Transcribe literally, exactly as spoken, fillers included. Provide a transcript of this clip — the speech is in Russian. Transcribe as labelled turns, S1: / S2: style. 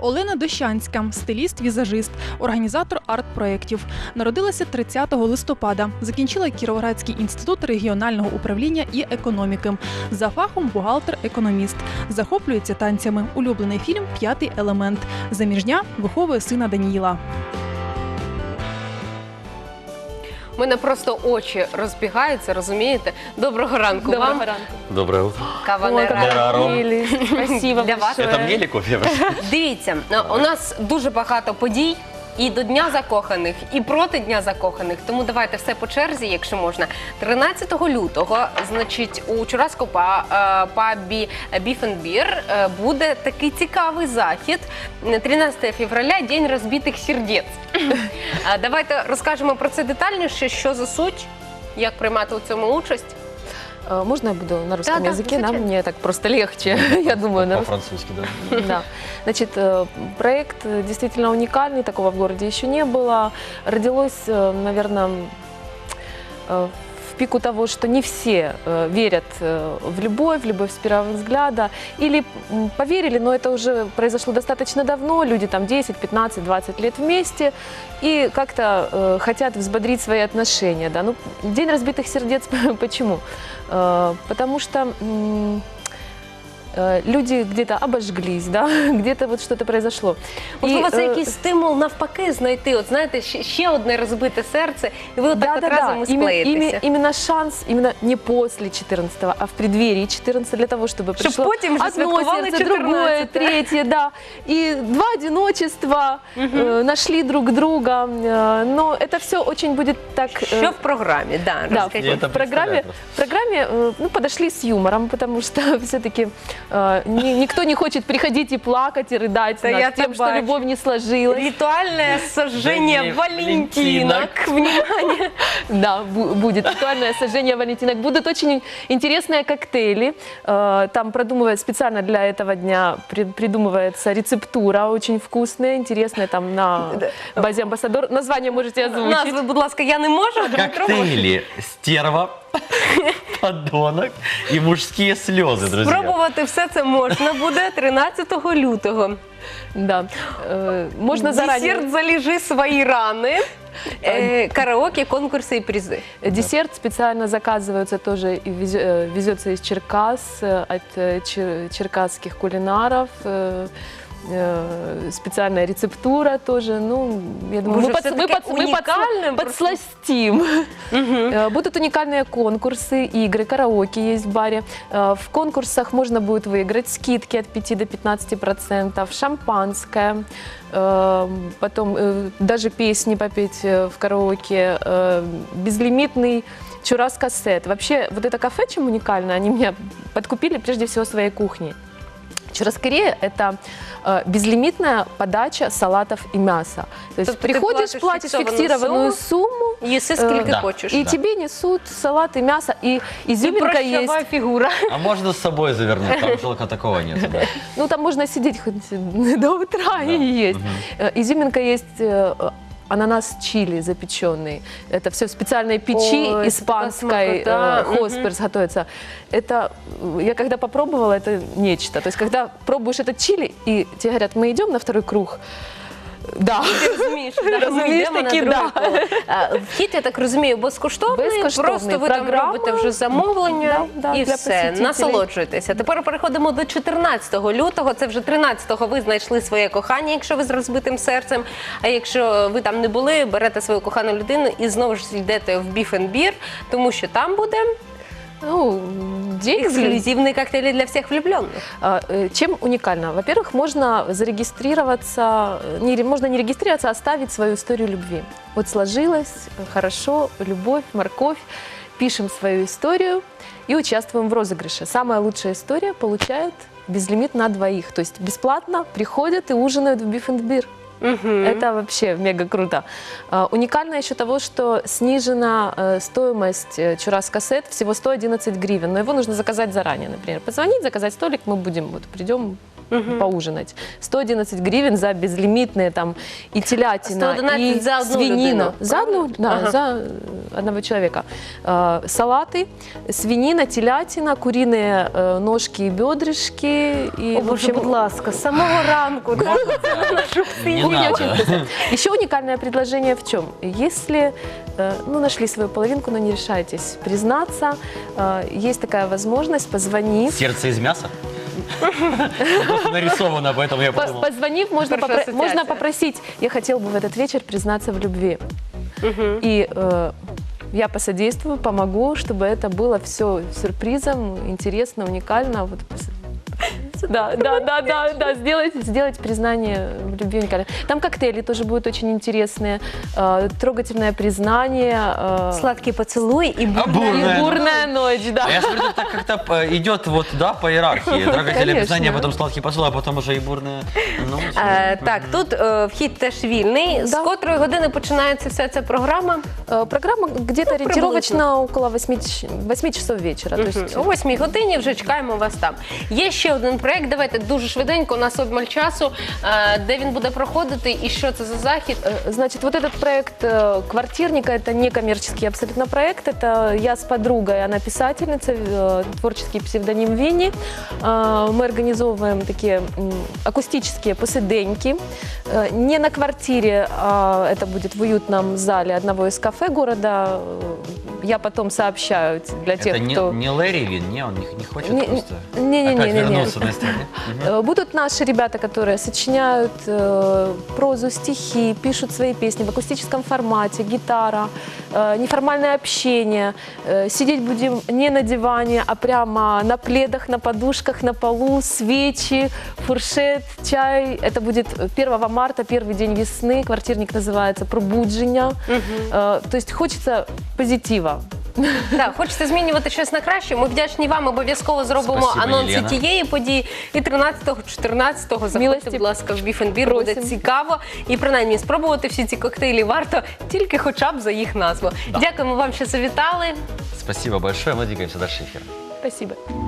S1: Олена Дощанська – стиліст-візажист, організатор арт-проєктів. Народилася тридцятого листопада. Закінчила Кіровоградський інститут регіонального управління і економіки. За фахом бухгалтер-економіст. Захоплюється танцями. Улюблений фільм «П'ятий елемент». Заміжня, виховує сина Даніїла.
S2: У мене просто очі розбігаються, розумієте? Доброго ранку вам.
S3: Доброго ранку.
S4: Доброе утро.
S2: Кавалера.
S3: Спасибо
S2: Для вас.
S4: Это мне или кофе?
S2: Дивіться, у нас дуже багато подій. І до Дня закоханих, і проти Дня закоханих. Тому давайте все по черзі, якщо можна. тринадцятого лютого, значить, у Чураському пабі Beef and Beer буде такий цікавий захід. тринадцятого февраля – День розбитих сердець. Давайте розкажемо про це детальніше, що за суть, як приймати у цьому участь.
S3: Можно я буду на русском
S2: Да, да,
S3: языке? Да,
S2: зачем?
S3: мне так просто легче, я думаю. на русском.
S4: По-французски, да?
S3: Да. Значит, проект действительно уникальный, такого в городе еще не было. Родилось, наверное, в пику того, что не все верят в любовь, в любовь с первого взгляда. Или поверили, но это уже произошло достаточно давно, люди там десять, пятнадцать, двадцать лет вместе и как-то э, хотят взбодрить свои отношения. Да? Ну, День разбитых сердец, почему? Э, потому что м, э, люди где-то обожглись, да? Где-то вот что-то произошло.
S2: Можливо, це
S3: э,
S2: якийсь стимул навпаки знайти, от знаєте, ще, ще одне розбите серце, і ви отак
S3: Да,
S2: от
S3: да,
S2: разом
S3: да.
S2: і
S3: Именно,
S2: склеїтеся.
S3: именно, именно шанс, именно не после четырнадцатого, а в преддверии четырнадцатого, для того, чтобы
S2: Чтоб
S3: пришло
S2: потім вже
S3: одно
S2: святкували
S3: сердце, другое,
S2: чотирнадцяте.
S3: третье, да. И два одиночества э, нашли друг друга. Э, но это все очень будет так... э,
S2: Що в програмі? Да,
S3: Да,
S2: розкажіть.
S4: Я это
S3: в программе, в программе э, ну, подошли с юмором, потому что все-таки э, ни- никто не хочет приходить и плакать, и рыдать
S2: Да
S3: над
S2: я
S3: тем,
S2: так
S3: что
S2: бачу.
S3: любовь не сложилась.
S2: Ритуальное сожжение
S4: День
S2: валентинок. Внимание.
S3: Да, бу- будет ритуальное сожжение валентинок. Будут очень интересные коктейли. Э, Там продумывают специально для этого дня, при- придумывается рецептура очень вкусная, интересная, там на базе Амбассадор. Название можете озвучить.
S2: Назви, будь ласка, я не можу. Дмитро може.
S4: Коктейли, стерва, подонок и мужские слезы, друзья.
S2: Спробувати все це можна буде тринадцятого лютого.
S3: Да. Э, Можно заранее.
S2: Десерт «Залежи свої рани», е, караоке, конкурси і призи.
S3: Десерт специально заказывается тоже и вез- э, везется из Черкас, э, от э, чер- черкасских кулинаров. э, э, Специальная рецептура тоже. Ну, я думаю,
S2: Может,
S3: мы, подс- мы,
S2: всё-таки
S3: подс- мы подс-
S2: уникальным просто?
S3: подсластим. Э, Будут уникальные конкурсы, игры, караоке есть в баре. Э, В конкурсах можно будет выиграть скидки от пяти до пятнадцати процентов, шампанское, э, потом э, даже песни попеть э, в караоке, э, безлимитный чуррас-кассет. Вообще, вот это кафе, чем уникально, они меня подкупили прежде всего своей кухней. Чурраскерея – это э, безлимитная подача салатов и мяса. То есть
S2: Тобто ти
S3: приходишь,
S2: платиш
S3: платишь
S2: фіксовану
S3: фиксированную
S2: сумму,
S3: сумму,
S2: Їси скільки
S4: Да.
S2: хочеш.
S3: и
S4: Да.
S3: тебе несут салат и мясо, и
S2: І
S3: изюминка
S2: прощава
S3: есть.
S2: фігура.
S4: А можно с собой завернуть? Там только такого нет, да?
S3: Ну, там можно сидеть хоть до утра
S4: Да.
S3: и есть.
S4: Мгм.
S3: Э, Изюминка есть э, ананас чили запеченный. Это все в специальной печи
S2: Ой, это
S3: испанской,
S2: смакота.
S3: э, хосперс готовится. Это, э, я когда попробовала, это нечто. То есть, когда пробуешь этот чили, и тебе говорят, мы идем на второй круг. Да.
S2: Ти розумієш, да, ми
S3: Розумієш
S2: йдемо на
S3: таки,
S2: друге
S3: да.
S2: коло. А, Вхід, я так розумію, безкоштовний,
S3: Безкоштовний.
S2: просто ви там
S3: Програма.
S2: робите вже замовлення
S3: Да, да,
S2: і
S3: для
S2: все,
S3: посетителей.
S2: насолоджуєтеся. Тепер переходимо до чотирнадцятого лютого, це вже тринадцятого ви знайшли своє кохання, якщо ви з розбитим серцем, а якщо ви там не були, берете свою кохану людину і знову ж йдете в Beef and Beer, тому що там буде
S3: Ну, день
S2: ексклюзивні коктейлі для всіх влюблених.
S3: А, э, Чем уникально? Во-первых, можно зарегистрироваться, э, не, ре- можно не регистрироваться, а оставить свою историю любви. Вот сложилось, э, хорошо, любовь, морковь, пишем свою историю и участвуем в розыгрыше. Самая лучшая история получает безлимит на двоих, то есть бесплатно приходят и ужинают в Beef and Beer. Это вообще мега круто. А, Уникально еще того, что снижена э, стоимость э, чуррас-кассет, всего сто одиннадцать гривен, но его нужно заказать заранее, например. Позвонить, заказать столик, мы будем, вот придем, поужинать. сто одиннадцать гривен за безлимитные там и телятина,
S2: сто одинадцать
S3: и
S2: за одну
S3: свинина.
S2: людину,
S3: За одну, да,
S2: Ага.
S3: за одного человека. Э, салаты, свинина, телятина, куриные э, ножки и бедрышки. И,
S2: О,
S3: в
S2: Боже,
S3: общем,
S2: будь ласка, з самого ранку. да?
S4: Не
S3: Кухня
S4: надо.
S3: очень вкусная. Еще уникальное предложение в чем? Если э, ну, нашли свою половинку, но не решаетесь признаться, э, есть такая возможность, позвонив.
S4: Сердце из мяса? Просто нарисовано, поэтому я
S3: По-
S4: подумал.
S3: Позвонив, можно,
S2: Хорошая
S3: попро- можно
S2: ассоциация.
S3: попросить, я хотел бы в этот вечер признаться в любви. И э, я посодействую, помогу, чтобы это было все сюрпризом, интересно, уникально. Вот, пос- да, да, да, да, да, сделать, сделать признание в любви уникально. Там коктейли тоже будут очень интересные, э, трогательное признание. э,
S2: Сладкий поцілуй і
S4: А,
S2: бурна.
S4: бурная
S3: и бурная ночь, да.
S4: А я смотрю, так как-то э, идет вот, да, по иерархии. Трогательное
S3: Конечно.
S4: описание, потом сладкий поцелуй, а потом уже и бурная ночь.
S2: Е, так, тут е, вхід теж вільний. З
S3: Да.
S2: котрої години починається вся ця програма?
S3: Э, Программа где-то
S2: Ну,
S3: ориентировочно около восьми часов вечера. То есть,
S2: О восьмій годині вже чекаємо вас там. Є ще один проєкт, давайте дуже швиденько, у нас обмаль часу, е, де він буде проходити і що це за захід?
S3: Э, Значит, вот этот проект э, «Квартирника» — это некоммерческий абсолютно проект. Это я с подругой, она писательница, э, творческий псевдоним Винни. Э, Мы организовываем такие м, акустические посиденьки. Э, Не на квартире, а это будет в уютном зале одного из кафе города. Э, Я потом сообщаю для тех,
S4: Это не,
S3: кто...
S4: не Лэри Вин, не, он не, не хочет
S3: Не-
S4: просто
S3: не-не-не-не-не.
S4: опять вернуться на сцену.
S3: Э, Будут наши ребята, которые сочиняют э, прозу, стихи, пишут свои песни в акустическом формате, гитара, э, неформальное общение. Э, сидеть будем не на диване, а прямо на пледах, на подушках, на полу, свечи, фуршет, чай. Это будет первого марта, первый день весны. Квартирник называется «Пробудження». Э, То есть хочется позитива.
S2: Так, хочете змінювати щось на краще? Ми вдячні вам, обов'язково зробимо
S4: Спасибо,
S2: анонси
S4: Єлена.
S2: тієї події. І тринадцятого, чотирнадцятого заходьте,
S3: Милості
S2: будь ласка, в біф-н-бір, буде
S3: просим.
S2: цікаво. І принаймні спробувати всі ці коктейлі варто тільки хоча б за їх назву.
S4: Да.
S2: Дякуємо вам, що завітали.
S4: Спасибо большое, мы двигаемся дальше эфира.
S3: Спасибо.